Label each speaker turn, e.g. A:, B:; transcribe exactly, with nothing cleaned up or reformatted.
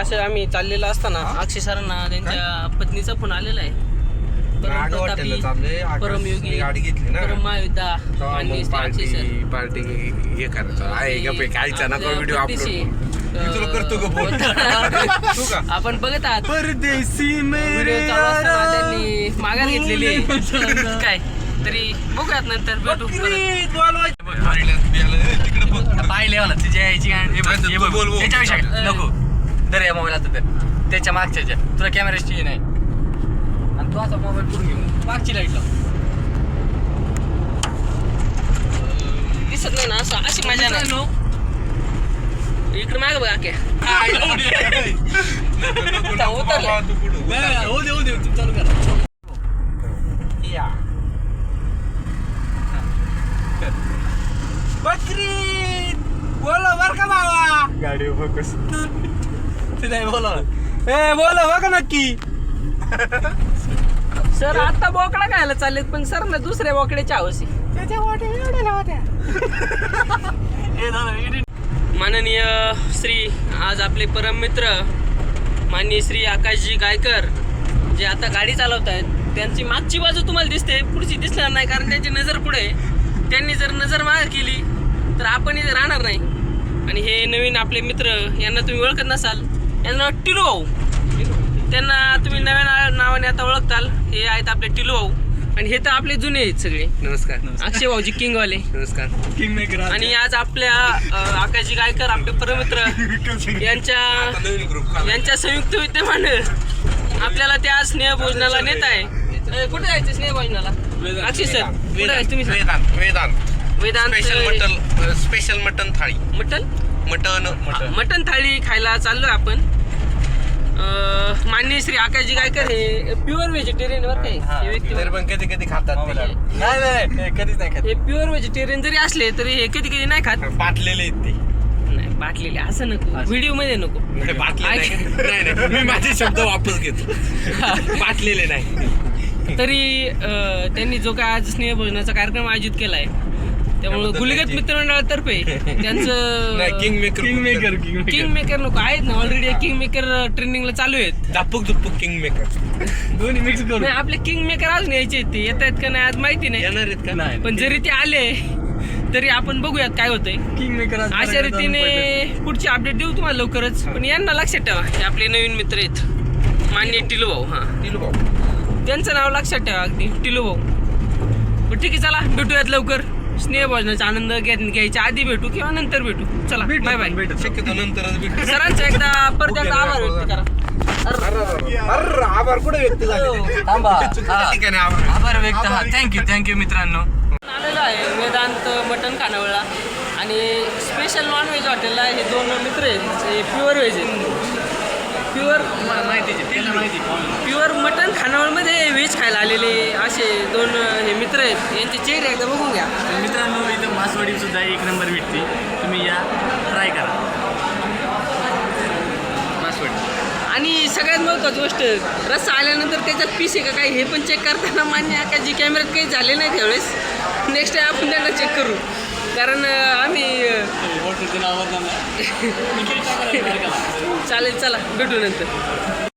A: असं आम्ही चाललेलो असताना अक्षय सरांना त्यांच्या पत्नीचा फोन आलेला आहे. परमयोगी
B: गाडी घेतली ना
A: परम महायुद्धा माननीय अक्षय सर
B: पार्टी हे करायचं आहे का काहीचा नको व्हिडिओ अपलोड करतो का
A: आपण बघत आहात
B: परदेशी
A: व्हिडिओ चालू असताना त्यांनी माघार घेतलेली आहे. काय तरी बघूयात नंतर भेटू
C: पाहिले मला तुझ्या यायची त्याच्याविषयी नको दर या मोबाईल आता तर त्याच्या मागच्या तुला कॅमेराची नाही आणि तू असा मोबाईल पुढे घेऊन मागची लाईट लाव.
A: दिसत नाही ना असं अशी मजा नाही. इकडे माग बघा के
C: चालू करा
B: बकरी बोलो बर का बाबा गाडी फोकस
C: ते नाही बोला
B: ए बोलो बघा नक्की
A: सर आता बोकडा खायला चाललेत पण सर ना दुसऱ्या बोकड्याची हवशी माननीय श्री आज आपले परम मित्र माननीय श्री आकाशजी गायकर जे आता गाडी चालवत आहेत त्यांची मागची बाजू तुम्हाला दिसते पुढची दिसणार नाही कारण त्यांची नजर पुढे. त्यांनी जर नजर मागे केली तर आपण इथे राहणार नाही. आणि हे नवीन आपले मित्र यांना तुम्ही ओळखत नसाल यांना टिलू भाऊ त्यांना तुम्ही नव्या नावाने आता ओळखताल. हे आहेत आपले टिलू भाऊ आणि हे तर आपले जुने आहेत सगळे.
B: नमस्कार
A: अक्षय भाऊजी किंगवाले
B: नमस्कार
C: किंग मेकर
A: आणि आज आपल्या आकाशजी गायकर आपले परमित्र यांच्या यांच्या संयुक्त विद्यमाने आपल्याला त्या स्नेह भोजनाला नेत आहे. कुठे जायचं स्नेह भोजनाला अक्षय सर कुठे जायचं तुम्ही
B: Vedant Vedant
A: Vedant
B: special mutton special mutton thali
A: mutton
B: mutton
A: mutton thali खायला चाललोय आपण. माननीय श्री आकाशजी गायकर हे प्युअर व्हेजिटेरियन वर काही हे व्यक्ती
B: तरी पण कधी कधी खातात
C: नाही नाही कधीच नाही खात.
A: हे प्युअर व्हेजिटेरियन जरी असले तरी हे कधी कधी नाही खात.
B: बाटलेले आहेत ते
A: नाही बाटलेले असं नको व्हिडिओ मध्ये नको.
B: बाटले नाही नाही मी माझे शब्द वापस घेतो बाटलेले नाही.
A: तरी त्यांनी जो काय आज स्नेहभोजनाचा कार्यक्रम आयोजित केलाय त्यामुळे गुलगत मित्रमंडळातर्फे त्यांचं
B: kingmaker
C: kingmaker king
A: kingmaker नको आहेत ना ऑलरेडी किंग मेकर ट्रेनिंगला चालू आहेत.
B: दापूक दुप्पूक किंग मेकर
C: दोन्ही मिक्स करून
A: नाही आपले किंग मेकर अजून यायचे आहेत ते येत आहेत का नाही आज माहिती नाही
B: येणार आहेत का
C: नाही
A: पण जरी ते आले तरी आपण बघूयात काय होतंय.
C: किंग मेकर
A: अशा रीतीने पुढची अपडेट देऊ तुम्हाला लवकरच. पण यांना लक्षात ठेवा हे आपले नवीन मित्र आहेत माननीय टिलू भाऊ. हा
B: टिलू भाऊ
A: त्यांचं नाव लक्षात ठेवा अगदी टिलू भाऊ. पण ठीक आहे चला भेटूयात लवकर. स्नेह भोजनाचा आनंद घ्यायच्या आधी भेटू किंवा नंतर भेटू. चला बाय बाय.
B: शक्यतो नंतरच भेटू.
A: सरांचा एकदा परत एकदा आभार व्यक्त करा.
B: अरे आभार कुठे व्यक्त झाले
C: थांबा
B: ठिकाणी आभार
C: आभार व्यक्त हा थँक्यू थँक्यू मित्रांनो.
A: आलेलो आहे वेदांत मटन खानावळला आणि स्पेशल नॉन व्हेज हॉटेलला हे दोन मित्र आहेत. हे प्युअर व्हेज आहेत. प्युअर
C: माहिती माहिती
A: प्युअर मटन खानावळमध्ये व्हेज खायला आलेले असे दोन हे मित्र आहेत. यांचे चेहरे एकदा बघून घ्या.
C: मित्रांनो इथं मासवडी सुद्धा एक नंबर भेटते तुम्ही या ट्राय करा मासवडी.
A: आणि सगळ्यात महत्त्वाची गोष्ट रस्सा आल्यानंतर त्याच्यात पीस आहे का काही हे पण चेक करताना मान्य आहे का जी कॅमेऱ्यात काही झाले नाही त्यावेळेस नेक्स्ट टाइम आपण त्यांना चेक करू कारण आम्ही चालेल चला भेटू नंतर.